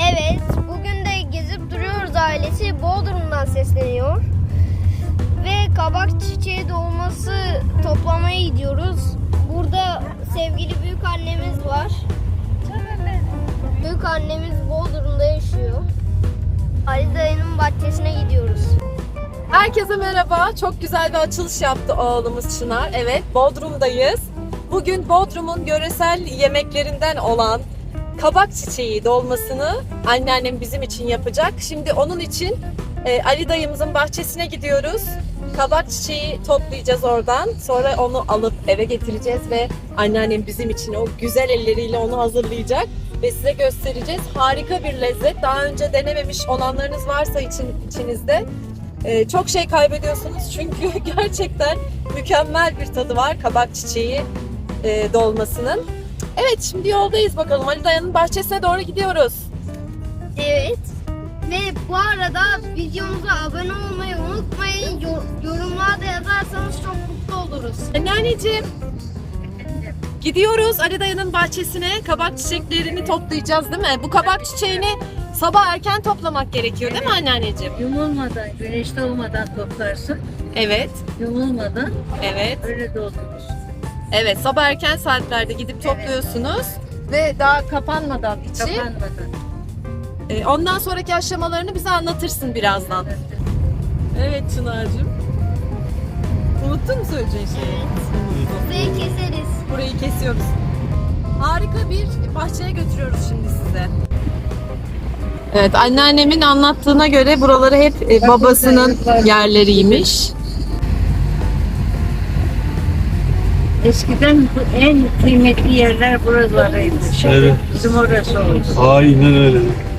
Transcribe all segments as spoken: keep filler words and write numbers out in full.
Evet, bugün de gezip duruyoruz ailesi Bodrum'dan sesleniyor. Ve kabak çiçeği dolması toplamaya gidiyoruz. Burada sevgili büyük annemiz var. Büyük annemiz Bodrum'da yaşıyor. Ali dayının bahçesine gidiyoruz. Herkese merhaba. Çok güzel bir açılış yaptı oğlumuz Çınar. Evet, Bodrum'dayız. Bugün Bodrum'un yöresel yemeklerinden olan kabak çiçeği dolmasını anneannem bizim için yapacak. Şimdi onun için e, Ali dayımızın bahçesine gidiyoruz. Kabak çiçeği toplayacağız oradan. Sonra onu alıp eve getireceğiz ve anneannem bizim için o güzel elleriyle onu hazırlayacak ve size göstereceğiz. Harika bir lezzet. Daha önce denememiş olanlarınız varsa için, içinizde e, çok şey kaybediyorsunuz çünkü gerçekten mükemmel bir tadı var kabak çiçeği e, dolmasının. Evet, şimdi yoldayız bakalım. Ali dayının bahçesine doğru gidiyoruz. Evet. Ve bu arada videomuza abone olmayı unutmayın. Yorumlarda yazarsanız çok mutlu oluruz. Anneanneciğim, gidiyoruz Ali dayının bahçesine. Kabak çiçeklerini toplayacağız değil mi? Bu kabak çiçeğini sabah erken toplamak gerekiyor değil mi anneanneciğim? Yumulmadan, güneş doğmadan toplarsın. Evet. Yumulmadan Evet. öyle doldurursun. Evet, sabah erken saatlerde gidip topluyorsunuz ve daha kapanmadan içi. Kapanmadan. E, Ondan sonraki aşamalarını bize anlatırsın birazdan. Evet Çınar'cığım. Unuttun mu söyleyeceğin şeyi? Burayı keseriz. Burayı kesiyoruz. Harika bir bahçeye götürüyoruz şimdi size. Evet, anneannemin anlattığına göre buraları hep e, babasının yerleriymiş. Eskiden bu en kıymetli yerler buralarıydı. Şimdi Evet. bizim orası oldu. Aynen öyle.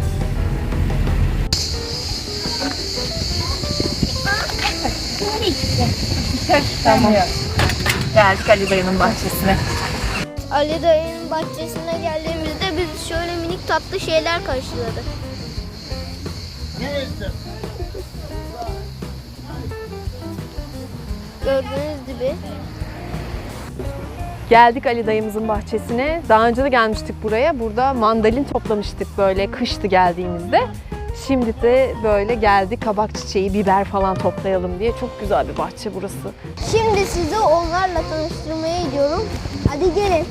Tamam. Geldik Ali dayının bahçesine. Ali dayının bahçesine geldiğimizde biz şöyle minik tatlı şeyler karşıladı. Gördüğünüz gibi. Geldik Ali dayımızın bahçesine. Daha önce de gelmiştik buraya. Burada mandalin toplamıştık böyle kıştı geldiğimizde. Şimdi de böyle geldik kabak çiçeği, biber falan toplayalım diye. Çok güzel bir bahçe burası. Şimdi sizi onlarla tanıştırmaya gidiyorum. Hadi gelin.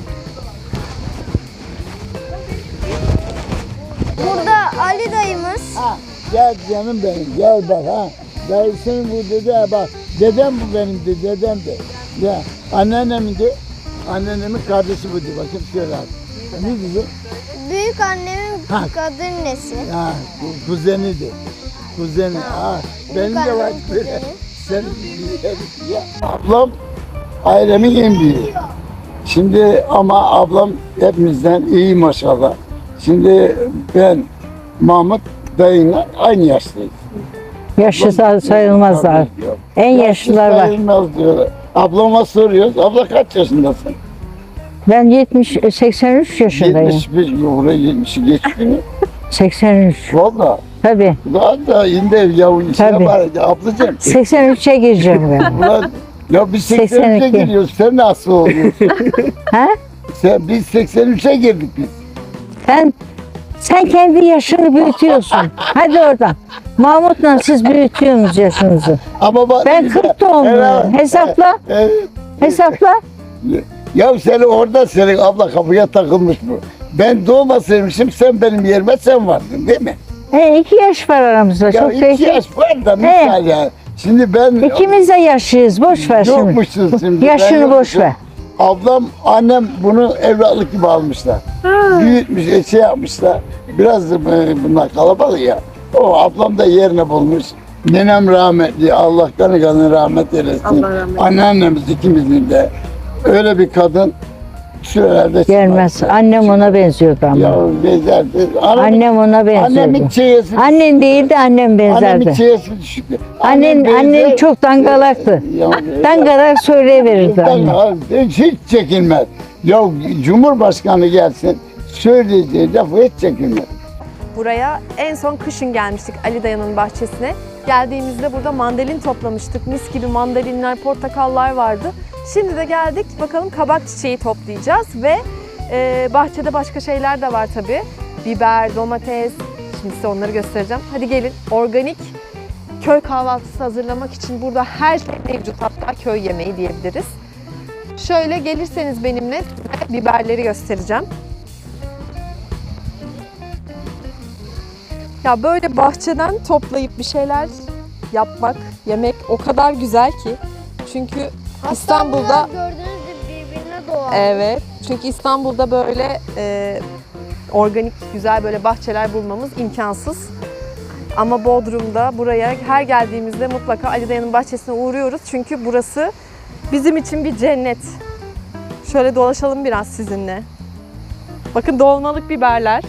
Burada Ali dayımız. Ha, gel canım benim, gel bak ha. Dayısının bu dede bak. Dedem bu benim de, dedem de. Ya anneannemin de, anneannemin kardeşi bu de. Bakayım şöyle abi. Ne diyecek? Büyük annemin Ha. kadın nesi. Ha, ku- kuzeni de. Kuzeni. Ha, benim Büyük de var annemin böyle. kuzeni. Sen ya. Ablam ailemin en büyüğü. Şimdi ama ablam hepimizden iyi maşallah. Şimdi ben Mahmut dayıyla aynı yaşlıyız. Yaşlı sayılmazlar. Yok. En Yaşlı yaşlılar var. sayılmaz diyorlar. Ablama soruyoruz. Abla kaç yaşındasın? Ben yetmiş seksen üç yaşındayım. yetmiş bir. Yok, yetmişi geçmiyor. seksen üç. Valla. Tabii. Daha da yine yavu işine Tabii. var. Ya ablacığım. seksen üçe gireceğim ben. Ulan, ya biz seksen seksen üçe iki. giriyoruz. Sen nasıl oluyorsun? Ha? Sen, biz seksen üçe girdik biz. Sen sen kendi yaşını büyütüyorsun. Hadi oradan. Mahmut'la siz büyütüyorsunuz yaşınızı. Ama bak, Ben kırk doğumluyum. Hesapla. Evet. Hesapla. Ya seni orada senin abla kapıya takılmış bu. Ben doğmasaymışım sen benim yerime sen vardın değil mi? He, iki yaş var aramızda. Ya Çok iki keyifli. yaş var da misal yani. Şimdi ben İkimiz de yaşlıyız. Boş ver şimdi. yokmuşsun şimdi. Yaşını ben boş yokmuşum. ver. Ablam, annem bunu evlatlık gibi almışlar. Büyütmüş, e, şey yapmışlar. Biraz da e, bunlar kalabalık ya. O ablam da yerine bulmuş. Nenem rahmetli, Allah kanı kanı rahmet eylesin. Allah rahmet eylesin. Anneannemiz ikimizin de. Öyle bir kadın şuralarda Gelmez. çıkmaz. Annem ona benziyordu ama. Ya benzerdi. Annem ona Annemin benziyordu. çeyesi. Annen değil de annem Annemin benzerdi. çeyesi düşüktü. Annen, Annem annen benzer- çok dangalaktı. Ya, Dangalak söyleyiverirdi anne. Dangalak, hiç çekinmez. Ya Cumhurbaşkanı gelsin söyleyeceği lafı hiç çekinmez. Buraya en son kışın gelmiştik Ali dayının bahçesine. Geldiğimizde burada mandalin toplamıştık. Mis gibi mandalinler, portakallar vardı. Şimdi de geldik. Bakalım kabak çiçeği toplayacağız ve e, bahçede başka şeyler de var tabii. Biber, domates, Şimdi size onları göstereceğim. Hadi gelin. Organik köy kahvaltısı hazırlamak için burada her şey mevcut. Hatta köy yemeği diyebiliriz. Şöyle gelirseniz benimle size biberleri göstereceğim. Ya böyle bahçeden toplayıp bir şeyler yapmak, yemek o kadar güzel ki. Çünkü İstanbul'da Hatta bunlar gördüğünüz gibi birbirine doğal. evet, çünkü İstanbul'da böyle e, organik güzel böyle bahçeler bulmamız imkansız. Ama Bodrum'da buraya her geldiğimizde mutlaka Ali Dayı'nın bahçesine uğruyoruz. Çünkü burası bizim için bir cennet. Şöyle dolaşalım biraz sizinle. Bakın dolmalık biberler.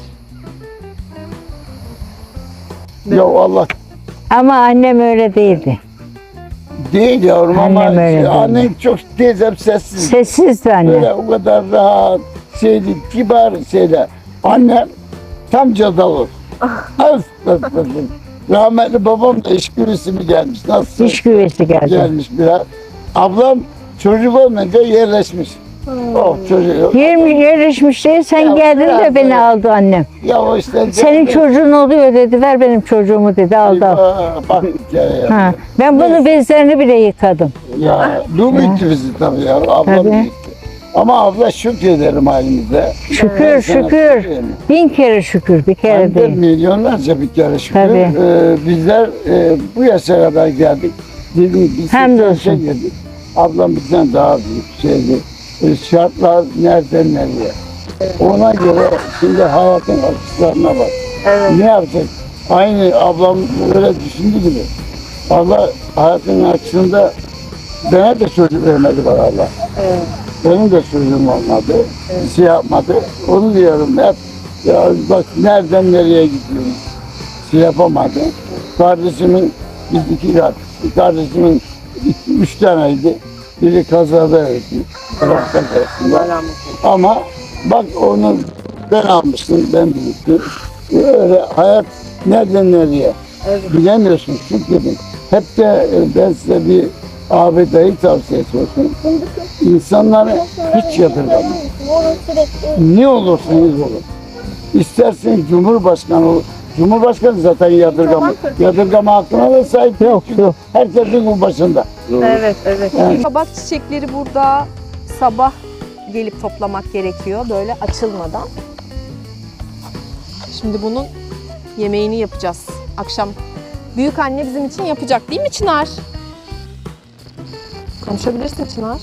Ya Allah Ama annem öyle değildi. değil yavrum ama Annem öyle değil. annen çok teyzem sessiz. Sessizdi anne. Böyle o kadar rahat, şeydi, kibar şeyler. Annem tam cadalır. Öf, öf, öf, öf. Rahmetli babam da iş güvesi mi gelmiş? Nasıl İş güvesi geldi. gelmiş biraz. Ablam çocuk olmayınca yerleşmiş. Oh çocuk. Yermiş, yerleşmiş değil, sen Ya geldin bırak de beni be. aldı annem. Ya o işte. Senin çocuğun oluyor dedi, ver benim çocuğumu dedi, aldı. aldı. Eyvah, bak hikaye. Ha. Ben bunu bezlerini bile yıkadım. Ya du büyüttü bizi tabii ya. Ablam Tabii. büyüttü. Ama abla şükrederim halimize. Şükür şükür. Bin kere şükür, bir kere Hem de değil. milyonlarca bir kere şükür. Tabii. Ee, bizler e, bu yaşa kadar geldik. Dedim biz Hamdolsun. seksen yaşa geldik. Ablam bizden daha büyük şeydi. E, şartlar nereden nereye? Ona göre şimdi hayatın akışlarına bak. Ne yapacak? Aynı ablam öyle düşündü gibi. Allah hayatın akışında bana da çocuk vermedi bana Allah. Benim de çocuğum olmadı. Bir şey yapmadı. Onu diyorum hep. Ya bak nereden nereye gidiyoruz. Şey yapamadı. Kardeşimin biz iki kardeş. Kardeşimin iki, üç taneydi. Biri kazada öldü. Trafik kazasında. Ama bak onu ben almıştım, ben büyüttüm. Öyle hayat nereden nereye bilemiyorsun çünkü hep de e, ben size bir abi dayı tavsiyesi olsun. İnsanları hiç yadırgamayın. Ne olursanız olun. İstersen Cumhurbaşkanı ol. Cumhurbaşkanı zaten yadırgama. Yadırgama hakkına da sahip yok. yok. Herkesin bu başında. Evet, evet. Yani- Kabak çiçekleri burada sabah gelip toplamak gerekiyor böyle açılmadan. Şimdi bunun yemeğini yapacağız. Akşam büyük anne bizim için yapacak değil mi Çınar? Konuşabilirsin Çınar.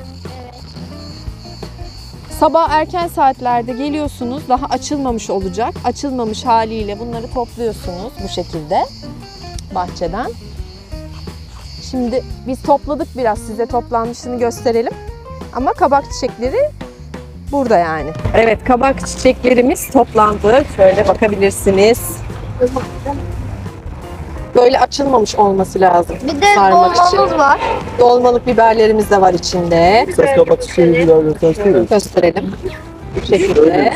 Sabah erken saatlerde geliyorsunuz. Daha açılmamış olacak. Açılmamış haliyle bunları topluyorsunuz bu şekilde bahçeden. Şimdi biz topladık biraz, size toplanmışını gösterelim. Ama kabak çiçekleri burada yani. Evet, kabak çiçeklerimiz toplandı. Şöyle bakabilirsiniz. Böyle açılmamış olması lazım. Bir de Sarmak için. dolmamız var. Dolmalık biberlerimiz de var içinde. Ses kapat şeyini bir daha göstersene. Gösterelim. Bu şekilde.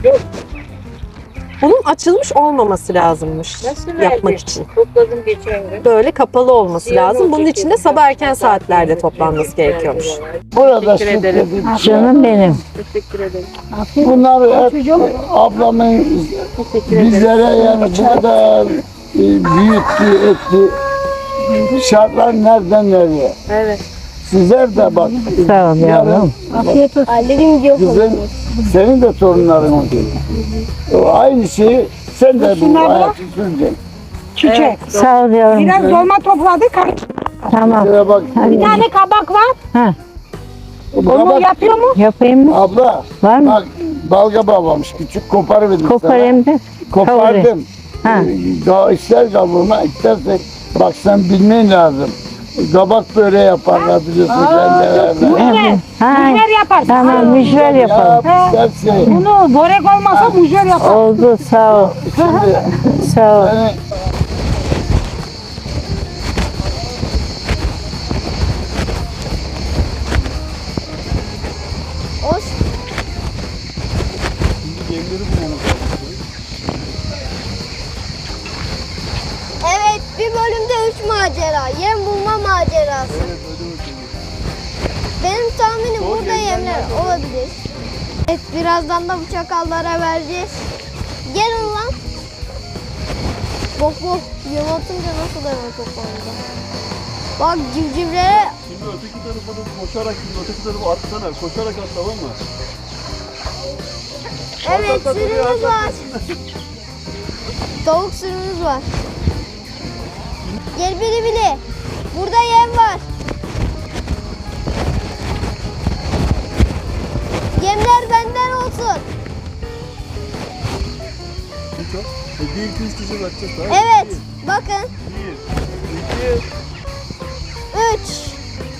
Bunun açılmış olmaması lazımmış yapmak için. Topladım geçen gün. Böyle kapalı olması lazım. Bunun için de sabah erken saatlerde toplanması gerekiyormuş. Burada Teşekkür ederim. şükredip Canım benim. Teşekkür ederim. bunlar hep ablamın bizlere yani bu kadar e, büyüttü, etti. Şartlar nereden nereye? Evet. Sizler de bak. Sağ ol yavrum. Hallerim diyor. Kızın, senin de torunların olacak. O aynı şeyi sen de bu hayatı süreceksin. Çiçek. Sağ ol yavrum. Biraz dolma topladık. Tamam. Şuraya bak. Bir tane kabak var. Ha, Buna Onu bak. yapıyor mu? yapayım mı? Abla Var mı? bak balga bağlamış. Küçük koparıverdim Koparayım da. Kopardım. Ha. Ee, Daha ister kabuğuna isterse bak sen bilmen lazım. Kabak böreği yaparlar biliyorsun kendilerine. Mücver. Ha, Mücver yaparsın. tamam mücver yapalım. Yap isterse. Bunu börek olmasa mücver yapar. Oldu, sağ ol. Şimdi Sağ ol. hani Hoş. Evet, bir bölümde üç macera. Yem bulma macerası. Benim tahminim burada yemler olabilir. Evet, birazdan da bu çakallara vereceğiz. Gelin lan. Bak bak yamatınca nasıl da hemen toplandı. Bak civcivlere Şimdi öteki tarafa da koşarak şimdi öteki tarafa atsana. Koşarak at, tamam mı? evet At, at, at, sürümüz at, at, var. at. Tavuk sürümüz var. Gel bili bili. Burada yem var. Yemler benden olsun. E, bir, iki, üç kişi bakacağız, tamam mı? Evet bakın. Bir, iki, Üç.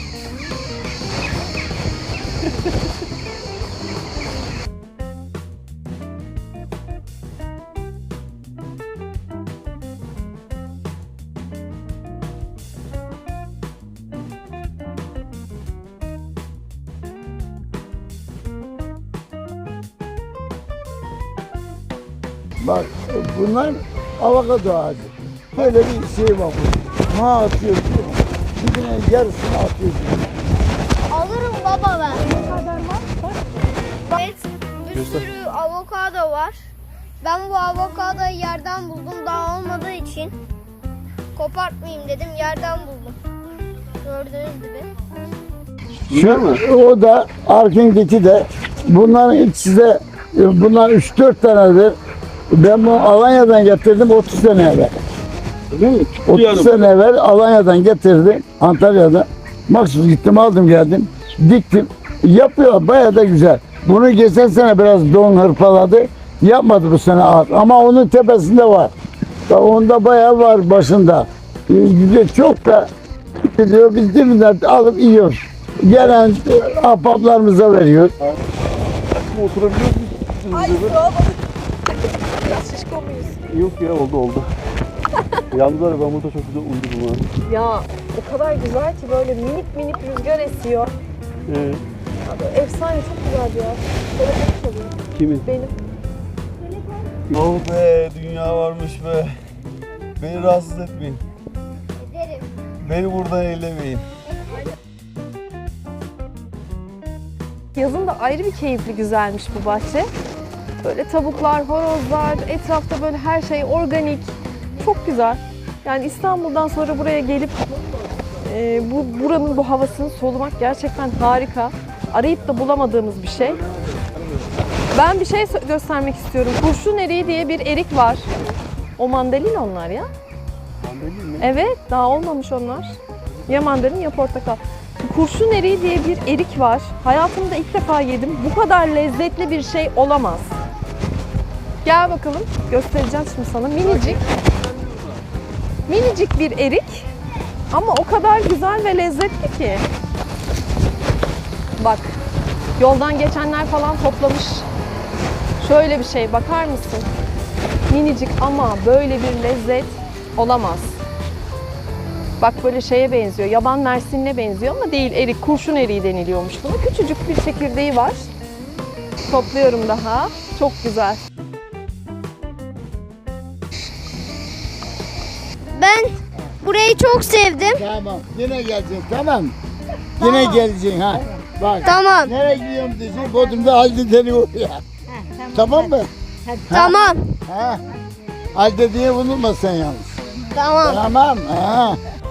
Bak bunlar avokado ağacı. Böyle bir şey var bu. Ha atıyoruz. Dibine yarısını atıyoruz. Alırım baba ben. Evet, bir sürü avokado var. Ben bu avokadoyu yerden buldum. Daha olmadığı için kopartmayayım dedim. Yerden buldum. Gördüğünüz gibi. Şu, o da arkindeki de bunların ikisi de bunlar üç dört tanedir. Ben bunu Alanya'dan getirdim otuz sene evvel. otuz sene evvel Alanya'dan getirdim Antalya'da. Maksus gittim aldım geldim. Diktim. Yapıyor bayağı da güzel. Bunu geçen sene biraz don hırpaladı. Yapmadı bu sene ağır. Ama onun tepesinde var. Onda bayağı var başında. Güzel çok da gidiyor. Biz dibinden alıp yiyoruz. Gelen ahbaplarımıza veriyor. oturabiliyor musun? Ay bravo. Biraz şişko muyuz? Yok ya, oldu oldu. Yalnız var ya, ben burada çok güzel uyudum ha. Ya o kadar güzel ki böyle minik minik rüzgar esiyor. Ee, Ya böyle efsane çok güzel ya. Telefon çalıyor. kimin? Benim. Oh be, dünya varmış be. Beni rahatsız etmeyin. Ederim. Beni buradan eylemeyin. Yazın da ayrı bir keyifli güzelmiş bu bahçe. Böyle tavuklar, horozlar, etrafta böyle her şey organik. Çok güzel. Yani İstanbul'dan sonra buraya gelip e, bu buranın bu havasını solumak gerçekten harika. Arayıp da bulamadığımız bir şey. Ben bir şey sö- göstermek istiyorum. Kurşun eriği diye bir erik var. O mandalina onlar ya. Mandalin mi? Evet, daha olmamış onlar. Ya mandalina ya portakal. Kurşun eriği diye bir erik var. Hayatımda ilk defa yedim. Bu kadar lezzetli bir şey olamaz. Gel bakalım. Göstereceğim şimdi sana. Minicik. Minicik bir erik. Ama o kadar güzel ve lezzetli ki. Bak. Yoldan geçenler falan toplamış. Şöyle bir şey. Bakar mısın? Minicik ama böyle bir lezzet olamaz. Bak böyle şeye benziyor. Yaban mersinine benziyor ama değil. Erik, kurşun eriği deniliyormuş buna. Küçücük bir çekirdeği var. Topluyorum daha. Çok güzel. Ben burayı çok sevdim. Tamam. Yine geleceksin tamam. Yine geleceksin ha. Bak. Tamam. Nereye gidiyorum diyeceksin. Bodrum'da Halide seni uğruyor. Tamam mı? Tamam. Ha. Halide diye unutma sen yalnız. Tamam. Tamam. Ha.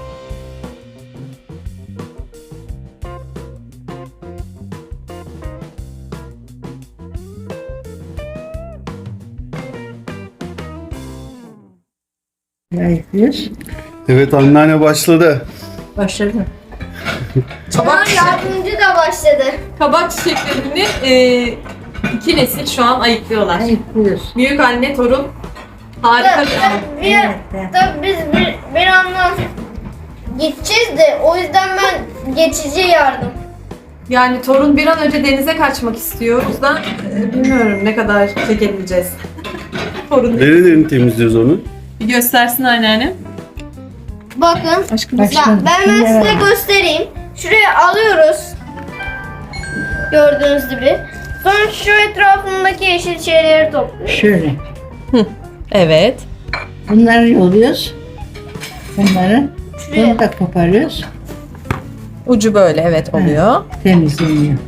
Bir. Evet, anneanne başladı. Başladı. Bana yardımcı da başladı. Kabak çiçeklerini e, iki nesil şu an ayıklıyorlar. Ayıklıyoruz. Büyük anne, torun. Harika bir an. Bir, Evet. tabii biz bir, bir anlam gideceğiz de o yüzden ben geçici yardım. Yani torun bir an önce denize kaçmak istiyor. O yüzden e, bilmiyorum ne kadar çekebileceğiz. Torun Nerelerini temizliyoruz onu? bir göstersin anneannem. Bakın. Aşkım Bak, ben, ben size göstereyim. Şuraya alıyoruz. Gördüğünüz gibi. Sonra şu etrafındaki yeşil şeyleri topluyoruz. Şöyle. Evet. Bunları yoluyoruz. Bunları. Şuraya. Bunu da koparıyoruz. Ucu böyle evet oluyor. Temizleniyor.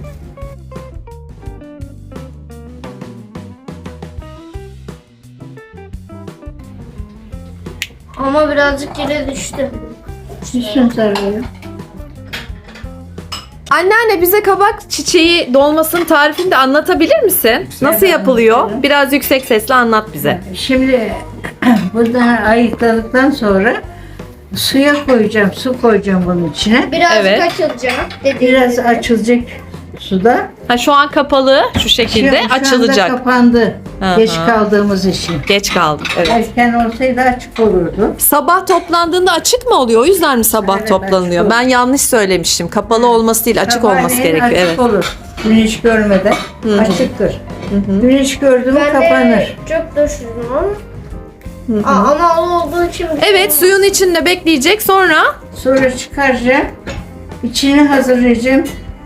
Ama birazcık yere düştü. Düşsün sarıyor. Anneanne bize kabak çiçeği dolmasının tarifini de anlatabilir misin? Nasıl yapılıyor? Biraz yüksek sesle anlat bize. Şimdi buradan ayıkladıktan sonra suya koyacağım. Su koyacağım bunun içine. Birazcık Evet. açılacak dediğim Biraz gibi. açılacak suda. Ha, şu an kapalı şu şekilde Şu- şu anda açılacak. kapandı. Hı Geç hı. kaldığımız için. Geç kaldık. Evet. Erken olsaydı açık olurdu. Sabah toplandığında açık mı oluyor? O yüzden mi sabah Evet, toplanılıyor? açık Ben yanlış söylemişim. Kapalı olması değil, açık olması Sabahleyin gerekiyor. açık Evet. olur. Güneş görmeden açıktır. Güneş gördü mü Ben kapanır. de çok düşündüm ama. Aa, ama o olduğu için. Evet, suyun içinde bekleyecek. Sonra Sonra çıkaracağım. İçini hazırlayacağım.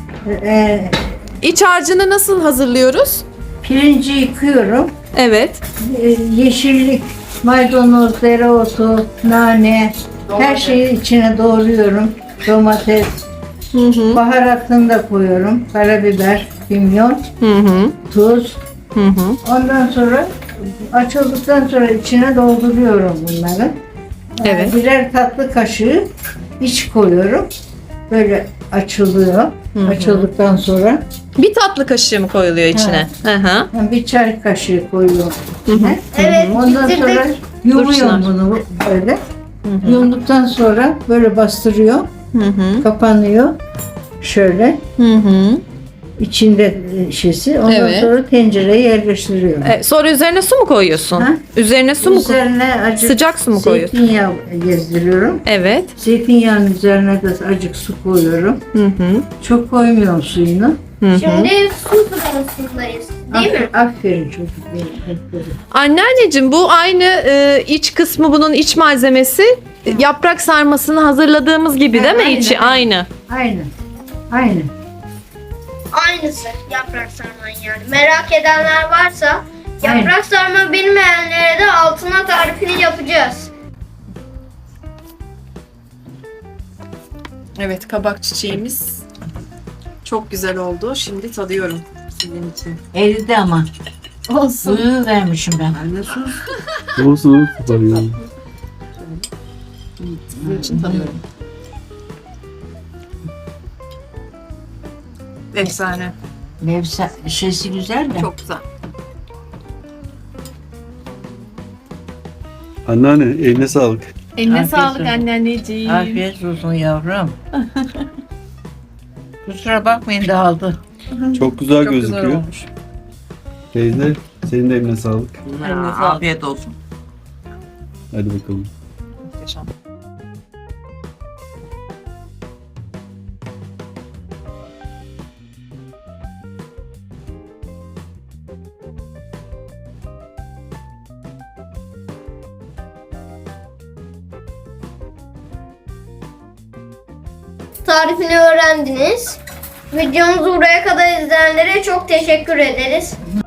Ee, iç harcını nasıl hazırlıyoruz? pirinci yıkıyorum. Evet. Ee, yeşillik, maydanoz, dereotu, nane, her şeyi içine doğruyorum. Domates, Hı hı. baharatını da koyuyorum. Karabiber, kimyon, Hı hı. tuz. Hı hı. Ondan sonra açıldıktan sonra içine dolduruyorum bunları. Ee, Evet. Birer tatlı kaşığı iç koyuyorum. Böyle açılıyor. Açıldıktan sonra Bir tatlı kaşığı mı koyuluyor içine? Hı hı. bir çay kaşığı koyuyorum içine. Evet, Ondan bitirdik. sonra Dur yumuyorum Çınar. bunu böyle. Yumduktan sonra böyle bastırıyor. Hı hı. Kapanıyor. Şöyle Hı hı. içinde şişi. Ondan Evet. sonra tencereye yerleştiriyorum. E, sonra üzerine su mu koyuyorsun? Ha? Üzerine su mu koy? Üzerine acık Sıcak su mu koyuyorsun? zeytinyağı gezdiriyorum. Evet. Zeytinyağının üzerine de acık su koyuyorum. Hı hı. Çok koymuyorum suyunu. Hı hı. Şimdi su sırasındayız. Değil mi? Aferin, aferin çocuk benim. Aferin. Anneanneciğim, bu aynı e, iç kısmı, bunun iç malzemesi e, yaprak sarmasını hazırladığımız gibi Ha, değil mi aynen, içi? Aynı. Aynen. Aynen. Aynısı yaprak sarmanın yani. Merak edenler varsa Aynen. yaprak sarma bilmeyenlere de altına tarifini yapacağız. Evet, kabak çiçeğimiz çok güzel oldu. Şimdi tadıyorum sizin için. Eridi ama. Olsun. Suyu vermişim ben. Anne su. Olsun. Tabii. Sizin için tadıyorum. Efsane. Mevsa şeysi güzel de. Çok güzel. Anneanne eline sağlık. Eline Afiyet sağlık olsun. anneanneciğim. Afiyet olsun yavrum. Kusura bakmayın dağıldı. Çok güzel Çok gözüküyor. güzel olmuş. Teyze senin de eline sağlık. Eline sağlık. Afiyet olsun. Hadi bakalım. Muhteşem. Tarifini öğrendiniz. Videomuzu buraya kadar izleyenlere çok teşekkür ederiz.